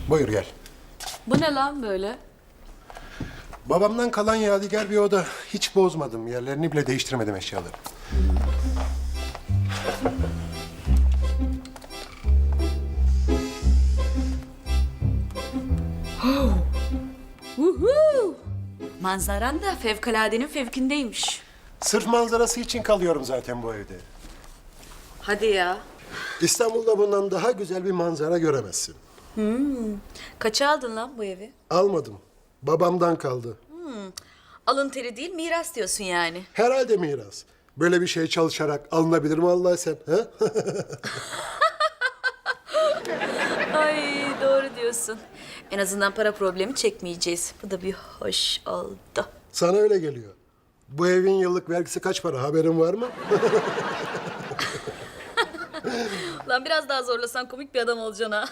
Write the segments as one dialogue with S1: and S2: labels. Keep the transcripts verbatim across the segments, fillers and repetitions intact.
S1: Buyur gel.
S2: Bu ne lan böyle?
S1: Babamdan kalan yadigar bir oda. Hiç bozmadım. Yerlerini bile değiştirmedim eşyaları.
S2: Uhu! Manzaran da fevkaladenin fevkindeymiş.
S1: Sırf manzarası için kalıyorum zaten bu evde.
S2: Hadi ya.
S1: İstanbul'da bundan daha güzel bir manzara göremezsin.
S2: Kaça aldın lan bu evi?
S1: Almadım. Babamdan kaldı.
S2: Alın teri değil, miras diyorsun yani.
S1: Herhalde miras. Böyle bir şey çalışarak alınabilir mi Allah sen? Ha?
S2: Ay doğru diyorsun. En azından para problemi çekmeyeceğiz. Bu da bir hoş oldu.
S1: Sana öyle geliyor. Bu evin yıllık vergisi kaç para haberin var mı?
S2: Lan biraz daha zorlasan komik bir adam olacaksın ha.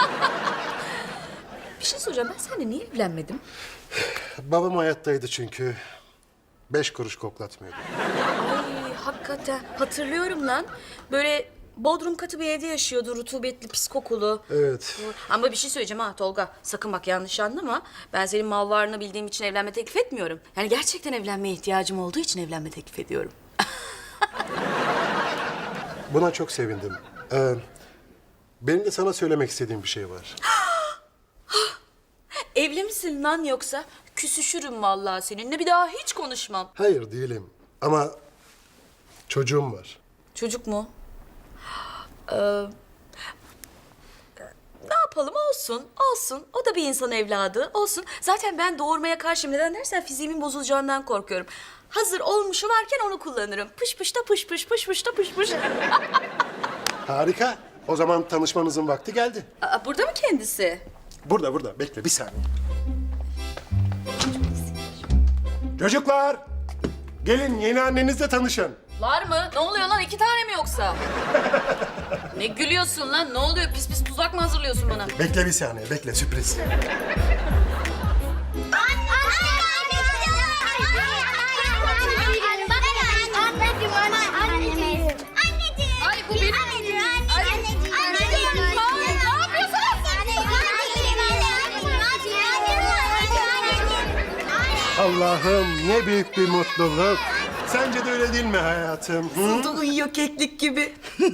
S2: Bir şey soracağım, ben seninle niye evlenmedim?
S1: Babam hayattaydı çünkü. Beş kuruş koklatmıyordu.
S2: Ay hakikaten hatırlıyorum lan. Böyle bodrum katı bir evde yaşıyordu, rutubetli, pis kokulu.
S1: Evet.
S2: Ama bir şey söyleyeceğim ha Tolga. Sakın bak yanlış anlama. Ben senin mal varlığını bildiğim için evlenme teklif etmiyorum. Yani gerçekten evlenmeye ihtiyacım olduğu için evlenme teklif ediyorum.
S1: Buna çok sevindim. Ee, benim de sana söylemek istediğim bir şey var.
S2: Evli misin lan yoksa? Küsüşürüm vallahi seninle. Bir daha hiç konuşmam.
S1: Hayır değilim ama çocuğum var.
S2: Çocuk mu? Ee, ne yapalım olsun, olsun. O da bir insan evladı, olsun. Zaten ben doğurmaya karşıyım. Neden dersen fiziğimin bozulacağından korkuyorum. Hazır olmuşu varken onu kullanırım. Pış pış da pış pış, pış pış da pış pış.
S1: Harika. O zaman tanışmanızın vakti geldi.
S2: Aa, burada mı kendisi?
S1: Burada burada. Bekle bir saniye. Çocuklar! Gelin yeni annenizle tanışın.
S2: Var mı? Ne oluyor lan? İki tane mi yoksa? Ne gülüyorsun lan? Ne oluyor? Pis pis tuzak mı hazırlıyorsun bana?
S1: Bekle bir saniye. Bekle sürpriz.
S2: Ay bu benim miydi? Ay, anneciğim, ma, ne yapıyorsun?
S1: Allah'ım ne büyük bir mutluluk. Sence de öyle değil mi hayatım? Hı?
S2: Da uyuyor keklik gibi.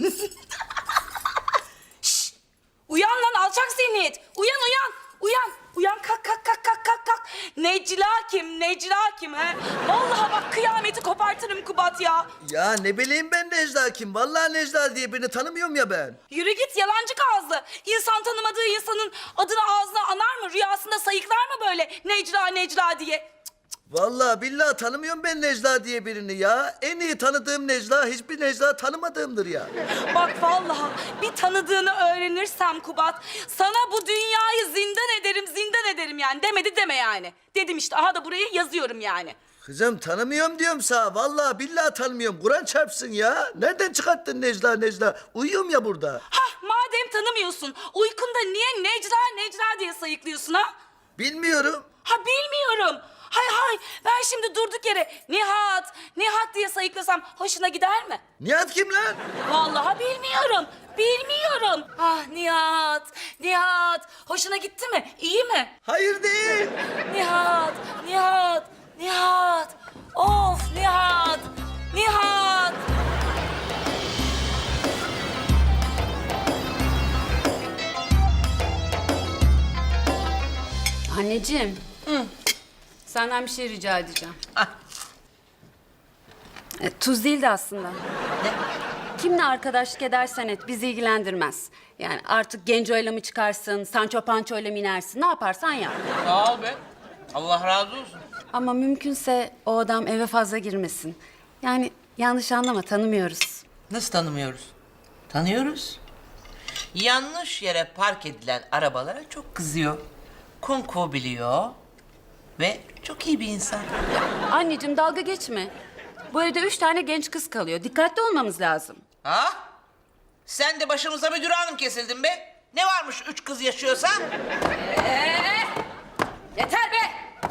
S3: Uyan lan alçak zihniyet. Uyan uyan. Uyan. Uyan kalk kalk kalk kalk kalk kalk. Necla kim? Necla kim he? Vallahi bak kıyameti kopartırım Kubat ya.
S4: Ya ne bileyim ben Necla kim? Vallahi Necla diye birini tanımıyorum ya ben.
S3: Yürü git yalancı ağızlı. İnsan tanımadığı insanın adını ağzına anar mı? Rüyasında sayıklar mı böyle Necla Necla diye?
S4: Vallahi billahi tanımıyorum ben Necla diye birini ya. En iyi tanıdığım Necla hiçbir Necla tanımadığımdır ya.
S3: Bak vallahi bir tanıdığını öğrenirsem Kubat, sana bu dünyayı zindan ederim, zindan ederim yani. Demedi deme yani. Dedim işte, aha da buraya yazıyorum yani.
S4: Kızım tanımıyorum diyorum sana. Vallahi billahi tanımıyorum. Kur'an çarpsın ya. Nereden çıkarttın Necla Necla? Uyuyorum ya burada.
S3: Hah, madem tanımıyorsun, uykunda niye Necla Necla diye sayıklıyorsun ha?
S4: Bilmiyorum.
S3: Ha bilmiyorum. Hay hay, ben şimdi durduk yere Nihat, Nihat diye sayıklasam hoşuna gider mi?
S4: Nihat kim lan?
S3: Vallahi bilmiyorum, bilmiyorum. Ah Nihat, Nihat, hoşuna gitti mi? İyi mi?
S4: Hayır değil.
S3: Nihat, Nihat, Nihat. Of Nihat, Nihat.
S5: Anneciğim. Senden bir şey rica edeceğim. E, tuz değildi aslında. Kimle arkadaşlık edersen et bizi ilgilendirmez. Yani artık Genco'yla mı çıkarsın, Sancho Pancho'yla mı inersin, ne yaparsan yap.
S6: Sağ ol be. Allah razı olsun.
S5: Ama mümkünse o adam eve fazla girmesin. Yani yanlış anlama, tanımıyoruz.
S6: Nasıl tanımıyoruz? Tanıyoruz. Yanlış yere park edilen arabalara çok kızıyor. Kunku biliyor. Ve çok iyi bir insan.
S5: Anneciğim dalga geçme. Bu evde üç tane genç kız kalıyor. Dikkatli olmamız lazım.
S6: Ha? Sen de başımıza müdür hanım kesildin be. Ne varmış üç kız yaşıyorsa?
S5: Yeter be!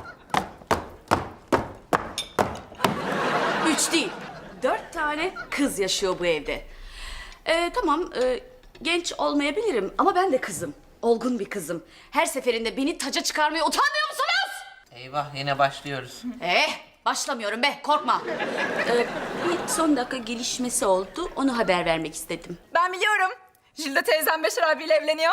S2: Üç değil, dört tane kız yaşıyor bu evde. Ee, tamam, e, genç olmayabilirim ama ben de kızım. Olgun bir kızım. Her seferinde beni taca çıkarmaya utanmıyor musunuz?
S6: Eyvah yine başlıyoruz.
S2: Eh, başlamıyorum be, korkma. Ee, bir son dakika gelişmesi oldu, onu haber vermek istedim.
S7: Ben biliyorum. Jülde teyzem Beşer abiyle evleniyor.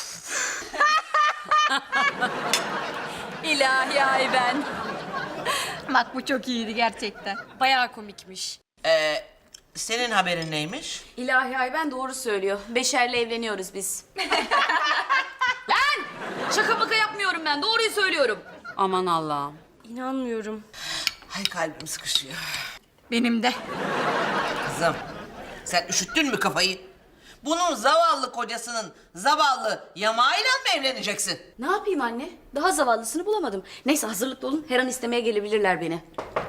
S2: İlahi ay ben.
S7: Bak bu çok iyiydi gerçekten. Bayağı komikmiş.
S6: Ee, senin haberin neymiş?
S2: İlahi ay ben doğru söylüyor. Beşer'le evleniyoruz biz. Lan! Şaka maka yapmıyorum ben, doğruyu söylüyorum.
S5: Aman Allah'ım.
S7: İnanmıyorum.
S6: Ay kalbim sıkışıyor.
S7: Benim de.
S6: Kızım sen üşüttün mü kafayı? Bunun zavallı kocasının zavallı yamağıyla mı evleneceksin?
S2: Ne yapayım anne? Daha zavallısını bulamadım. Neyse hazırlıklı olun, her an istemeye gelebilirler beni.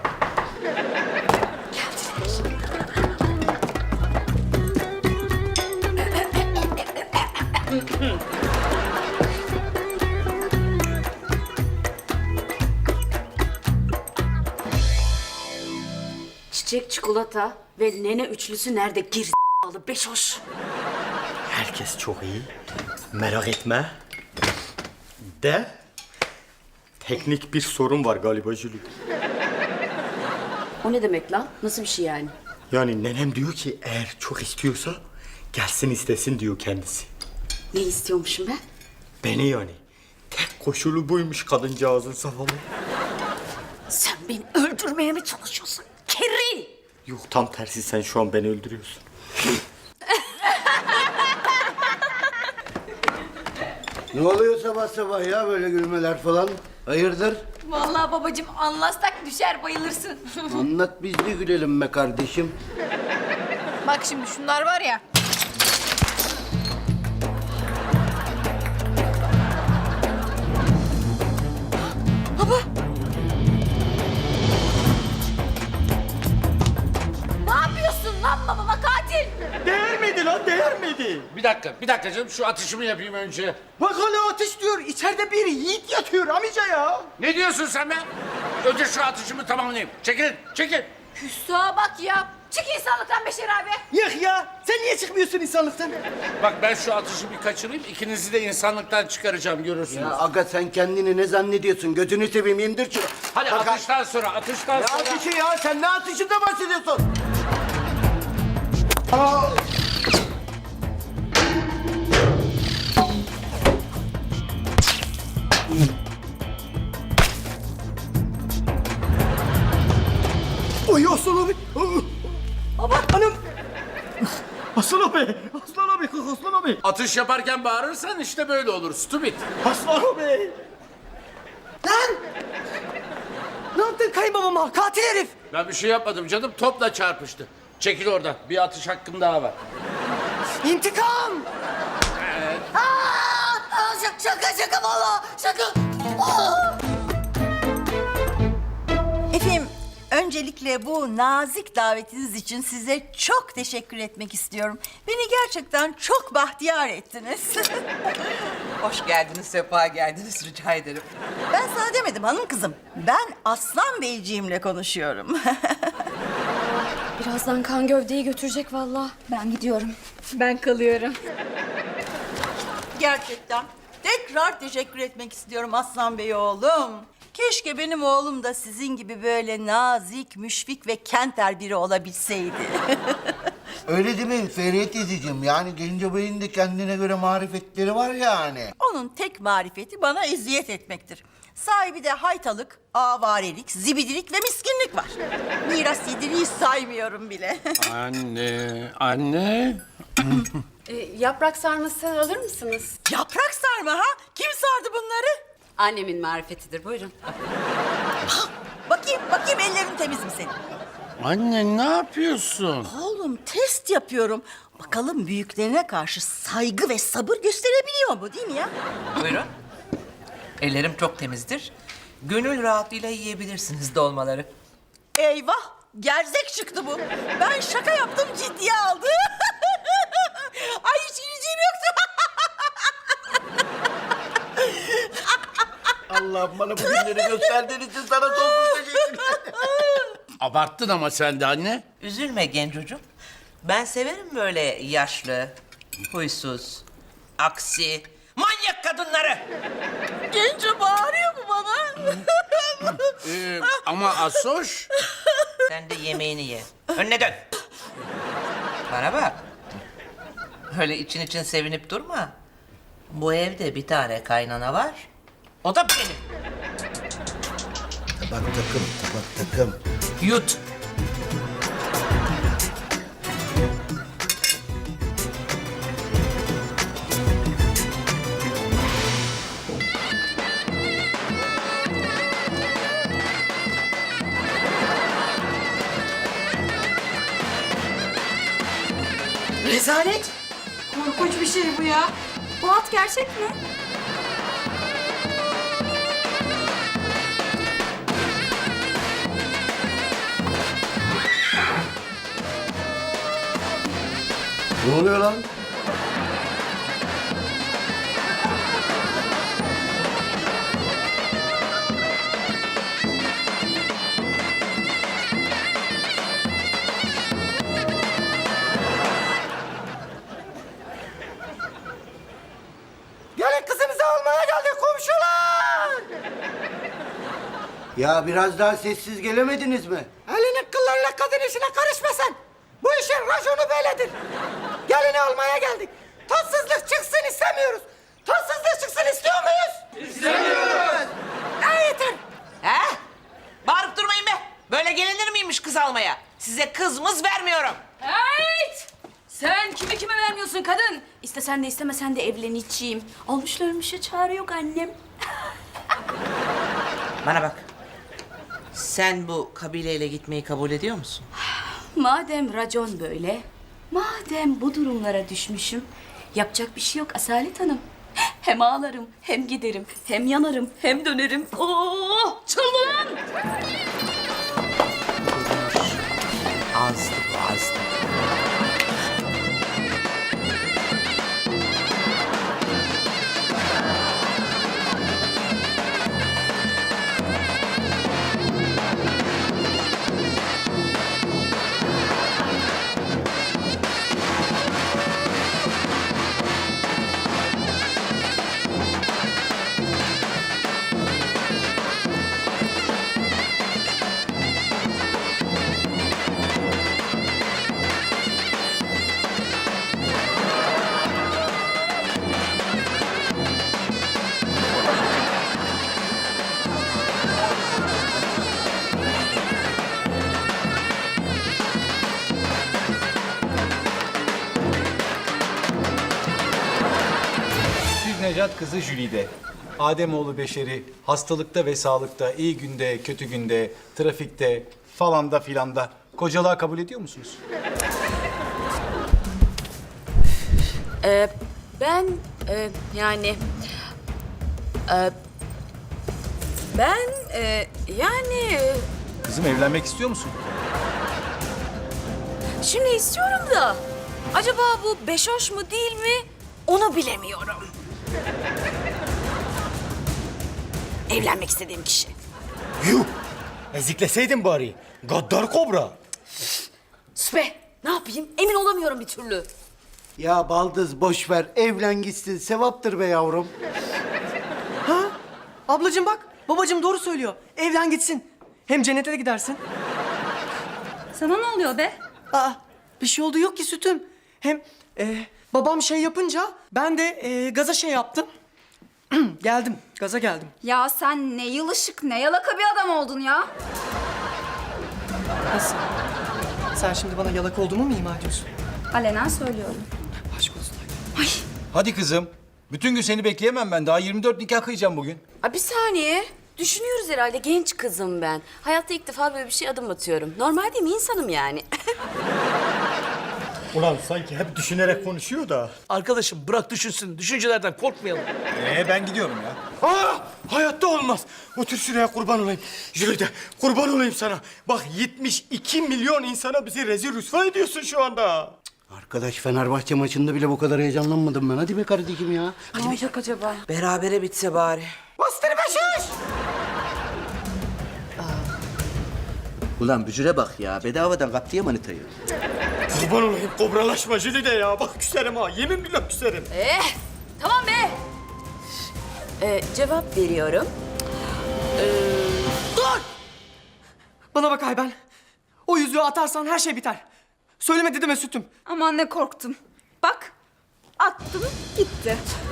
S2: Çiçek, çikolata ve nene üçlüsü nerede? Gir alı beş hoş.
S8: Herkes çok iyi. Merak etme. De teknik bir sorun var galiba Jülü.
S2: O ne demek lan? Nasıl bir şey yani?
S8: Yani nenem diyor ki eğer çok istiyorsa gelsin istesin diyor kendisi.
S2: Ne istiyormuşum ben?
S8: Beni yani. Tek koşulu buymuş kadıncağızın zavallı.
S2: Sen beni öldürmeye mi çalışıyorsun? Kerri!
S8: Yok tam tersi sen şu an beni öldürüyorsun.
S4: Ne oluyor sabah sabah ya böyle gülmeler falan? Hayırdır?
S7: Vallahi babacığım anlatsak düşer bayılırsın.
S4: Anlat biz de gülelim be kardeşim.
S7: Bak şimdi şunlar var ya.
S2: Ne yapıyorsun lan babama katil?
S8: Değer miydi lan değer miydi?
S9: Bir dakika, bir dakika canım. Şu atışımı yapayım önce.
S8: Bak hala ateş diyor. İçeride bir yiğit yatıyor amca ya.
S9: Ne diyorsun sen be? Önce şu atışımı tamamlayayım. Çekilin, çekil.
S7: Hüsnü'ye bak ya. Çık insanlıktan Beşer abi.
S8: Yok ya. Sen niye çıkmıyorsun insanlıktan?
S9: Bak ben şu atışı bir kaçırayım. İkinizi de insanlıktan çıkaracağım, görürsünüz.
S4: Ya aga sen kendini ne zannediyorsun? Götünü seveyim indir şunu.
S9: Hadi
S4: Bak-
S9: atıştan sonra, atıştan
S4: Ne
S9: sonra.
S4: atışı ya? Sen ne atışında bahsediyorsun?
S8: Ay Aslan abi. Baba. Hanım. Aslan abi. Aslan abi. Aslan abi.
S9: Atış yaparken bağırırsan işte böyle olur. Stupid.
S8: Aslan abi. Lan. Ne yaptın kayınbabama? Katil herif.
S9: Ben bir şey yapmadım canım. Topla çarpıştı. Çekil oradan. Bir atış hakkım daha var.
S8: İntikam.
S4: Şaka şaka valla şaka.
S10: Efendim, öncelikle bu nazik davetiniz için size çok teşekkür etmek istiyorum. Beni gerçekten çok bahtiyar ettiniz.
S6: Hoş geldiniz, sefa geldiniz rica ederim.
S10: Ben sana demedim hanım kızım. Ben Aslan Beyciğimle konuşuyorum.
S7: Birazdan kan gövdeyi götürecek vallahi. Ben gidiyorum. Ben kalıyorum.
S10: Gerçekten tekrar teşekkür etmek istiyorum Aslan Bey oğlum. Keşke benim oğlum da sizin gibi böyle nazik, müşfik ve kenter biri olabilseydi.
S4: Öyle değil mi Feride teyzeciğim? Yani Genco Bey'in de kendine göre marifetleri var yani.
S10: Onun tek marifeti bana eziyet etmektir. Sahibi de haytalık, avarelik, zibidilik ve miskinlik var. Miras yediriyi saymıyorum bile.
S9: Anne, anne.
S5: Ee, yaprak sarması alır mısınız?
S10: Yaprak sarma ha? Kim sardı bunları?
S5: Annemin marifetidir, buyurun.
S10: Bakayım, bakayım ellerin temiz mi senin?
S9: Anne ne yapıyorsun?
S10: Oğlum test yapıyorum. Bakalım büyüklerine karşı saygı ve sabır gösterebiliyor mu değil mi ya?
S6: Buyurun. Ellerim çok temizdir. Gönül rahatlığıyla yiyebilirsiniz dolmaları.
S10: Eyvah! Gerzek çıktı bu. Ben şaka yaptım ciddiye aldı. Ay hiç güleceğim yoktu.
S4: Allah bana bu günleri gösterdiğin için sana sonsuz teşekkürler.
S9: Abarttın ama sen de anne.
S6: Üzülme gencocuğum. Ben severim böyle yaşlı, huysuz, aksi, manyak kadınları.
S3: Genco bağırıyor mu bana?
S9: Ee, ama Asoş...
S6: Sen de yemeğini ye. Önüne dön. Bana bak. Öyle için için sevinip durma. Bu evde bir tane kaynana var. O da benim.
S4: Tabak takım, tabak takım.
S6: Yut.
S3: Rezalet. Korkunç bir şey bu ya.
S2: Bu at gerçek mi?
S4: Ne oluyor lan?
S8: Gelin kızımızı almaya geldik komşular.
S4: Ya biraz daha sessiz gelemediniz mi?
S8: Elinin kıllarıyla kadın işine karışma sen. Bu işin raconu böyledir. Gelini almaya geldik. Tatsızlık çıksın istemiyoruz. Tatsızlık çıksın istiyor muyuz? İstemiyoruz.
S4: E yeter.
S6: He? Bağırıp durmayın be. Böyle gelinir miymiş kız almaya? Size kız mız vermiyorum.
S2: Evet! Sen kimi kime vermiyorsun kadın? İstesen de istemesen de evleneceğim. Olmuşlarmışa çare yok annem.
S6: Bana bak. Sen bu kabileyle gitmeyi kabul ediyor musun?
S2: Madem racon böyle, madem bu durumlara düşmüşüm, yapacak bir şey yok Asalet Hanım. Hem ağlarım, hem giderim, hem yanarım, hem dönerim. Oo, çılgın!
S6: Azdı bu azdı.
S11: Süt Necat kızı Jülide. Ademoğlu beşeri hastalıkta ve sağlıkta, iyi günde, kötü günde, trafikte falan da filan da kocalığa kabul ediyor musunuz?
S2: Ee, ben e, yani e, ben e, yani e,
S11: Kızım evlenmek istiyor musun?
S2: şimdi istiyorum da acaba bu beş hoş mu değil mi onu bilemiyorum. Evlenmek istediğim kişi.
S8: Yuh! Ezikleseydin bari. Gaddar kobra.
S2: Sus be, ne yapayım emin olamıyorum bir türlü.
S4: Ya baldız boş ver. Evlen gitsin. Sevaptır be yavrum.
S12: Ablacığım bak, babacığım doğru söylüyor. Evlen gitsin. Hem cennete de gidersin.
S7: Sana ne oluyor be?
S12: Aa, bir şey oldu yok ki sütüm. Hem e, babam şey yapınca ben de e, gaza şey yaptım. Geldim, gaza geldim.
S7: Ya sen ne yılışık ne yalaka bir adam oldun ya.
S12: Nasıl? Sen şimdi bana yalaka olduğumu mu ima ediyorsun?
S7: Alenen söylüyorum.
S12: Aşk olsun.
S11: Hadi kızım. Bütün gün seni bekleyemem ben. Daha yirmi dört nikah kıyacağım bugün.
S2: Aa, bir saniye. Düşünüyoruz herhalde genç kızım ben. Hayatta ilk defa böyle bir şey adım atıyorum. Normal değil mi insanım yani?
S8: Ulan sanki hep düşünerek konuşuyor da.
S9: Arkadaşım bırak düşünsün. Düşüncelerden korkmayalım.
S11: Ee ben gidiyorum ya.
S8: Aa, hayatta olmaz. Otur şuraya kurban olayım. Jülide kurban olayım sana. Bak yetmiş iki milyon insana bizi rezil rüsva ediyorsun şu anda.
S4: Arkadaş Fenerbahçe maçında bile bu kadar heyecanlanmadım ben. Hadi be kardeşim ya.
S2: Ne olacak acaba?
S6: Berabere bitse bari.
S8: Bastır beşiş.
S4: Ulan bücüre bak ya. Bedavadan kaptı ya manitayı.
S8: Kurban olayım kobralaşma Jülide ya. Bak küserim ha. Yemin billah küserim.
S2: Eh, tamam be. Ee, cevap veriyorum.
S12: Bana bak Ayben. O yüzüğü atarsan her şey biter. Söylemedi deme Sütüm.
S3: Aman ne korktum. Bak attım gitti.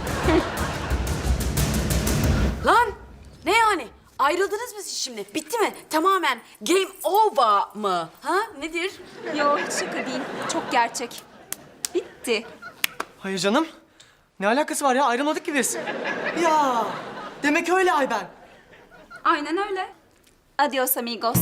S2: Lan ne yani? Ayrıldınız mı siz şimdi? Bitti mi? Tamamen game over mı? Ha? Nedir?
S3: Yok hiç şaka değil. Çok gerçek. Bitti.
S12: Hayır canım. Ne alakası var ya? Ayrılmadık ki biz. Ya demek öyle Ayben.
S3: Aynen öyle. Adios amigos.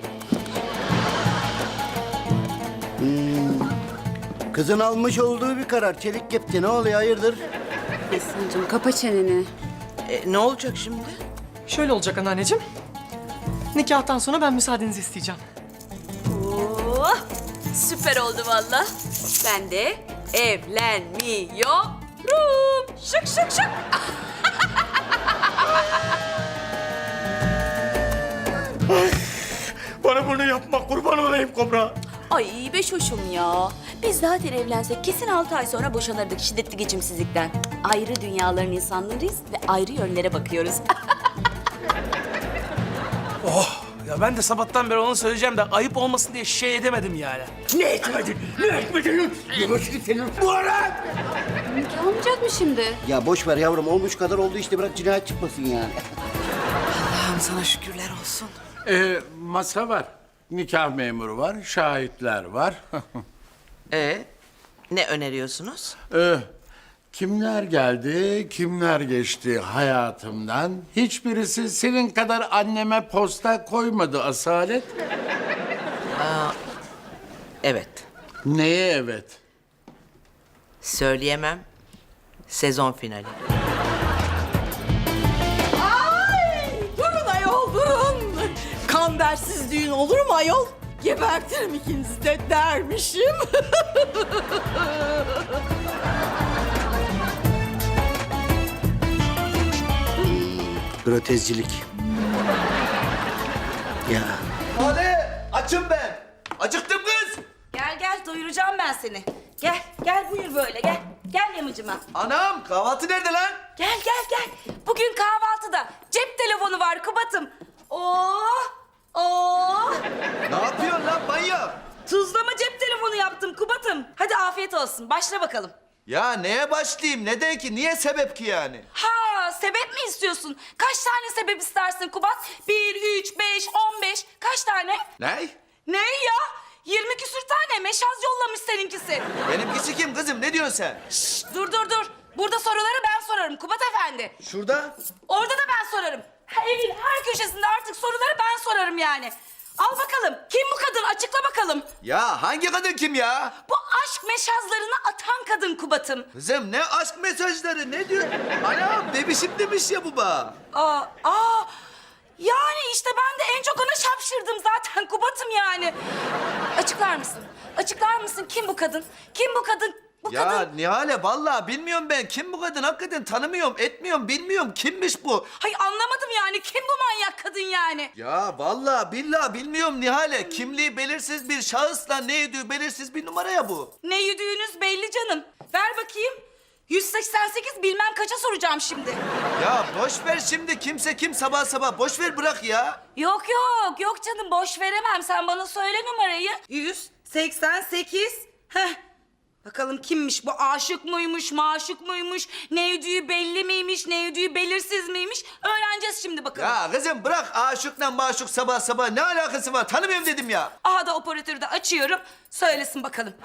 S4: Kızın almış olduğu bir karar. Çelik kepçe ne oluyor hayırdır?
S5: Esin'cim kapa çeneni.
S6: E, ne olacak şimdi?
S12: Şöyle olacak anneanneciğim. Nikahtan sonra ben müsaadenizi isteyeceğim.
S2: Oh, süper oldu valla. Ben de evlenmiyorum. Şık şık şık.
S1: Bana bunu yapma, kurban olayım Kobra.
S2: Ay beş hoşum ya. Biz zaten evlensek kesin altı ay sonra boşanırdık şiddetli geçimsizlikten. Ayrı dünyaların insanlarıyız ve ayrı yönlere bakıyoruz.
S9: Ya ben de sabahtan beri onu söyleyeceğim de ayıp olmasın diye şey edemedim yani.
S1: Ne etmedin? Ne etmedin? Yavaş git senin. Bu ara!
S5: Nikah olmayacak mı şimdi?
S4: Ya boş ver yavrum olmuş kadar oldu işte bırak cinayet çıkmasın yani.
S6: Allah'ım sana şükürler olsun.
S9: Ee, masa var. Nikah memuru var, şahitler var.
S6: E ne öneriyorsunuz?
S9: Ee, kimler geldi, kimler geçti hayatımdan? Hiçbirisi senin kadar anneme posta koymadı Asalet.
S6: Evet.
S9: Neye evet?
S6: Söyleyemem. Sezon finali.
S10: Durun ayol durun. Kambersiz düğün olur mu ayol? Gebertirim ikinizi de dermişim.
S4: Grotezcilik. Ya. Hadi açım ben. Acıktım kız.
S3: Gel gel doyuracağım ben seni. Gel gel buyur böyle gel. Gel yamacıma.
S4: Anam kahvaltı nerede lan?
S3: Gel gel gel. Bugün kahvaltıda cep telefonu var Kubat'ım. Oo! Oo!
S4: Ne yapıyorsun lan manyak?
S3: Tuzlama cep telefonu yaptım Kubat'ım. Hadi afiyet olsun. Başla bakalım.
S4: Ya neye başlayayım? Neden ki? Niye sebep ki yani?
S3: Ha, sebep mi istiyorsun? Kaç tane sebep istersin Kubat? Bir, üç, beş, on beş. Kaç tane?
S4: Ne?
S3: Ne ya? Yirmi küsür tane meşaz yollamış seninkisi.
S4: Benimkisi kim kızım? Ne diyorsun sen?
S3: Şşş, dur dur dur. Burada soruları ben sorarım Kubat Efendi.
S4: Şurada.
S3: Orada da ben sorarım. Ha, evin her köşesinde artık soruları ben sorarım yani. Al bakalım. Kim bu kadın? Açıkla bakalım.
S4: Ya hangi kadın kim ya?
S3: Bu aşk meşazlarını atan kadın Kubat'ım.
S4: Kızım ne aşk mesajları ne diyor? Anam bebişim demiş ya baba.
S3: Aa, aa. Yani işte ben de en çok ona şapşırdım zaten Kubat'ım yani. Açıklar mısın? Açıklar mısın? Kim bu kadın? Kim bu kadın? Bu
S4: Ya
S3: kadın.
S4: Nihale vallahi bilmiyorum ben. Kim bu kadın? Hakikaten tanımıyorum, etmiyorum, bilmiyorum. Kimmiş bu?
S3: Hay anlamadım yani. Kim bu manyak kadın yani?
S4: Ya vallahi billahi bilmiyorum Nihale. Kimliği belirsiz bir şahısla ne yediği belirsiz bir numara ya bu.
S3: Ne yediğiniz belli canım. Ver bakayım. yüz seksen sekiz bilmem kaça soracağım şimdi.
S4: Ya boş ver şimdi kimse kim sabah sabah. Boş ver bırak ya.
S3: Yok yok yok canım boş veremem. Sen bana söyle numarayı. yüz seksen sekiz. Heh. Bakalım kimmiş bu? Aşık mıymış, maşık mıymış? Ne yediği belli miymiş, ne yediği belirsiz miymiş? Öğreneceğiz şimdi bakalım.
S4: Ya kızım bırak aşıkla maşuk sabah sabah. Ne alakası var? Tanımıyorum dedim ya.
S3: Aha da operatörü de açıyorum. Söylesin bakalım.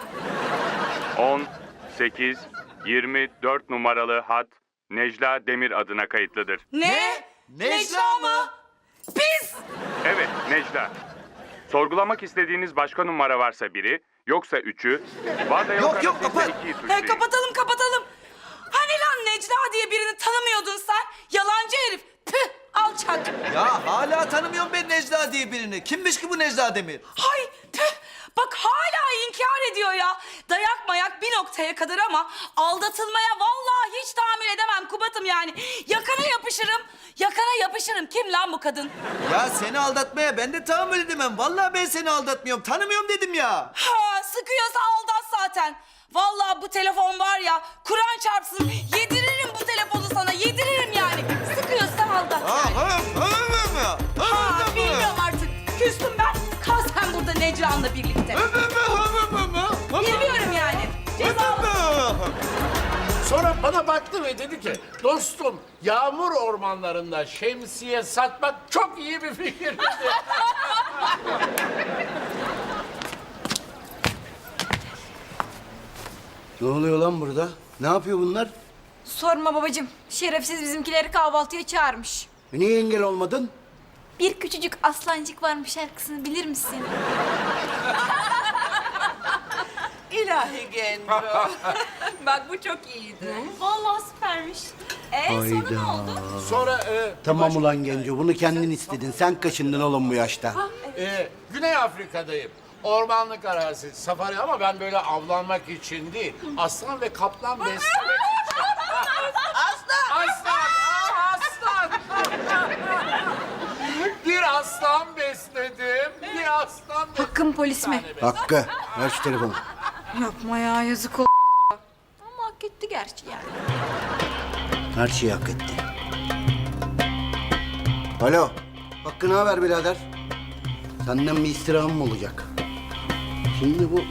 S13: on, sekiz, yirmi dört numaralı hat Necla Demir adına kayıtlıdır.
S3: Ne?
S4: Necla mı?
S3: Biz!
S13: Evet, Necla. Sorgulamak istediğiniz başka numara varsa biri, yoksa üçü, var da yok,
S4: Yok, yok,
S13: arasıysa
S4: kapat.
S13: ikiyi
S3: He,
S13: suçlayın.
S3: kapatalım kapatalım. Hani lan Necla diye birini tanımıyordun sen? Yalancı herif. Püh alçak.
S4: Ya hala tanımıyorum ben Necla diye birini. Kimmiş ki bu Necla Demir?
S3: Hay püh. Bak hala inkar ediyor ya. Dayak mayak bir noktaya kadar ama aldatılmaya vallahi hiç tahammül edemem Kubat'ım yani. Yakana yapışırım. Yakana yapışırım. Kim lan bu kadın?
S4: Ya seni aldatmaya ben de tahammül edemem. Vallahi ben seni aldatmıyorum. Tanımıyorum dedim ya.
S3: Ha sıkıyorsa aldat zaten. Vallahi bu telefon var ya Kur'an çarpsın yediririm bu telefonu sana yediririm
S9: Sonra bana baktı ve dedi ki, dostum yağmur ormanlarında şemsiye satmak çok iyi bir fikir.
S4: Ne oluyor lan burada? Ne yapıyor bunlar?
S7: Sorma babacığım. Şerefsiz bizimkileri kahvaltıya çağırmış.
S4: E niye engel olmadın?
S7: Bir küçücük aslancık varmış şarkısını bilir misin?
S6: İlahi Genco.
S3: Bak bu çok iyiydi.
S7: Vallahi süpermiş. Ee sonra ne oldu?
S9: Sonra e,
S4: Tamam ulan Genco, bunu kendin istedin. Sen kaşındın oğlum bu yaşta.
S9: e, Güney Afrika'dayım. Ormanlık arazi, safari ama ben böyle avlanmak için değil. Aslan ve kaplan beslemek için. Aslan! Aslan! Aa, aslan! Bir aslan besledim. Bir aslan besledim.
S7: Hakkım polis mi?
S4: Hakkı, ver şu telefonu.
S7: Yapma ya yazık oldu. Ama hak etti gerçi yani.
S4: Her şeyi hak etti. Alo, Hakkı ne haber birader? Senden bir istirhamım mı olacak? Şimdi bu...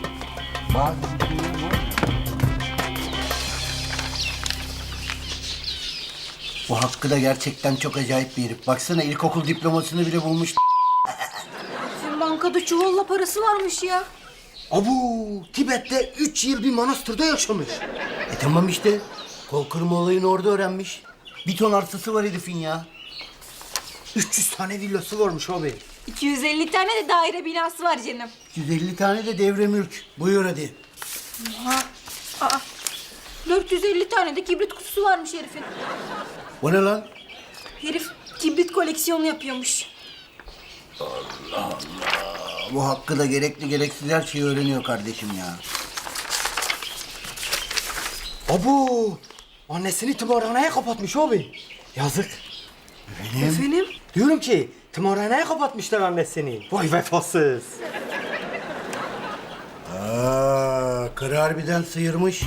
S4: Bu Hakkı da gerçekten çok acayip bir herif. Baksana ilkokul diplomasını bile bulmuş.
S7: Bizim bankada çuvalla parası varmış ya.
S4: Abu, Tibet'te üç yıl bir manastırda yaşamış. E tamam işte. Kol kırma olayını orada öğrenmiş. Bir ton arsası var herifin ya. üç yüz tane villası varmış abi.
S7: iki yüz elli tane de daire binası var canım.
S4: yüz elli tane de devre mülk. Buyur hadi.
S7: dört yüz elli tane de kibrit kutusu varmış herifin.
S4: O ne lan?
S7: Herif kibrit koleksiyonu yapıyormuş.
S4: Bu Hakkı da gerekli gereksiz her şeyi öğreniyor kardeşim ya.
S12: Abu! Annesini tımarhaneye kapatmış abi. Yazık.
S4: Benim?
S12: Efendim? Diyorum ki tımarhaneye kapatmışlar annesini. Vay vefasız.
S4: Aa, karı harbiden sıyırmış.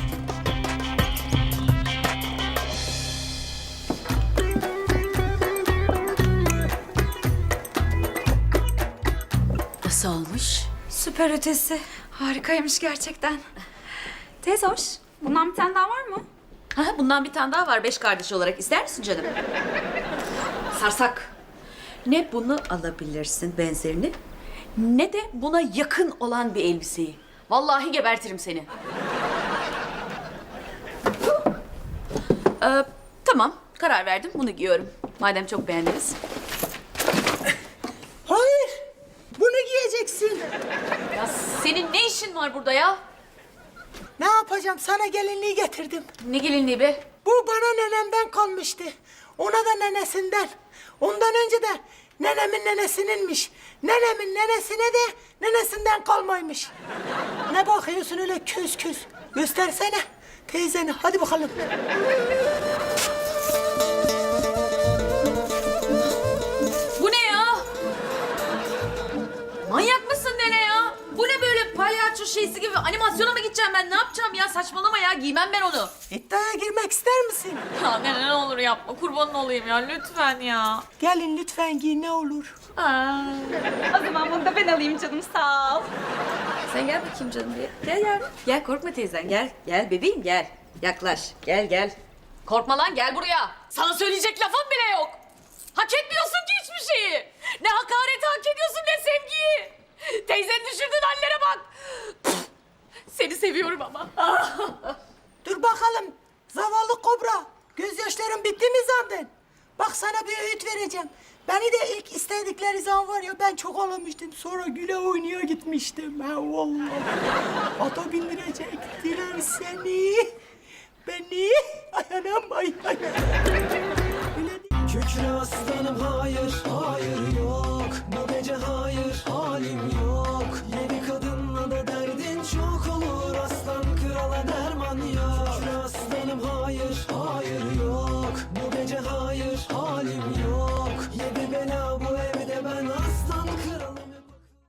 S2: Nasıl olmuş?
S7: Süper ötesi. Harikaymış gerçekten. Teyze hoş. Bundan bir tane daha var mı?
S2: Ha, bundan bir tane daha var beş kardeş olarak. İster misin canım? Sarsak. Ne bunu alabilirsin benzerini, ne de buna yakın olan bir elbiseyi. Vallahi gebertirim seni. ee, tamam, karar verdim. Bunu giyiyorum. Madem çok beğendiniz.
S8: Hayır. Bunu giyeceksin.
S2: Ya senin ne işin var burada ya?
S8: Ne yapacağım? Sana gelinliği getirdim.
S2: Ne gelinliği be?
S8: Bu bana nenemden kalmıştı. Ona da nenesinden. Ondan önce de nenemin nenesininmiş. Nenemin nenesine de nenesinden kalmaymış. Ne bakıyorsun öyle köz köz? Göstersene teyzeni. Hadi bakalım.
S2: Bu ne ya? Manyak mısın nene ya? Bu ne böyle palyaço şeysi gibi? Animasyona mı gideceğim ben? Ne yapacağım ya? Saçmalama ya. Giymem ben onu.
S8: İddiaya girmek ister misin?
S2: Ya nene ne olur yapma. Kurbanın olayım ya. Lütfen ya.
S8: Gelin lütfen giy ne olur.
S2: Aa.
S7: O zaman bunu da ben alayım canım sağ ol.
S2: Sen gel bakayım canım bir. Gel gel. Gel korkma teyzen. Gel. Gel bebeğim gel. Yaklaş. Gel gel. Korkma lan gel buraya. Sana söyleyecek lafım bile yok. Hak etmiyorsun ki hiçbir şeyi. Ne hakareti hak ediyorsun ne sevgiyi. Teyzenin düşürdüğün hallere bak. Pf, seni seviyorum ama.
S8: Dur bakalım. Zavallı kobra. Gözyaşların bitti mi zaten? Bak sana bir öğüt vereceğim. Beni de ilk istedikleri zaman var ya ben çok ağlamıştım. Sonra güle oynaya gitmiştim. Ha vallahi. Ata bindirecektiler seni. Beni. Ay anam ay ay. Öyle değil.
S12: Kükre aslanım hayır, hayır yok.